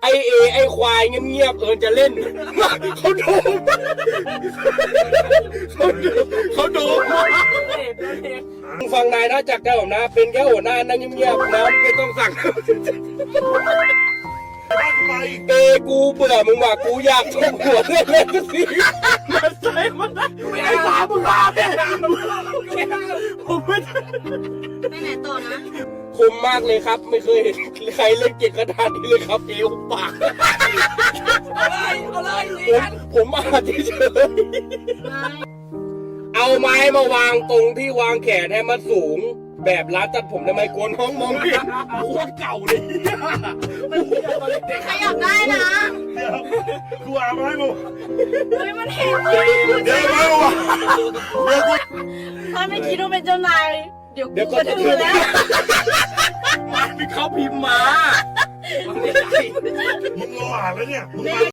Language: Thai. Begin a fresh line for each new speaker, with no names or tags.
ไอควายเงียบๆจะเล่นเขาดูฟังนายนะจากแก้วผมนะเป็นแค่หัวหน้านั่งเงียบๆนะไม่ต้องสั่งกูเบื่อมึงว่ะกูอยากชมหัวเล่นๆสิมันใช่มันไม่ได้ตามมึงมาเนี่ยผมไม่
ไปไหนต่อนะ
คมมากเลยครับไม่เคยเห็นใครเล่นเก่งขนาดนี้เลยครับเอวปากผมมาเฉยเอาไม้มาวางตรงที่วางแขนให้มันสูงแบบร้านตัดผมทำไมกวนห้องมองเห็นโคตรเก่าเลย
ขยับได้นะ
กูอาบให้มึง
เฮ้ยมันเห็น
เดี๋ยวมาว่ะ
ถ้าไม่คิดว่าเป็นเจ้านายเดี๋ยวกูจะดูแล้ว
มันเขาพิมพ์มา
มึงรออ่านแล้วเนี่ย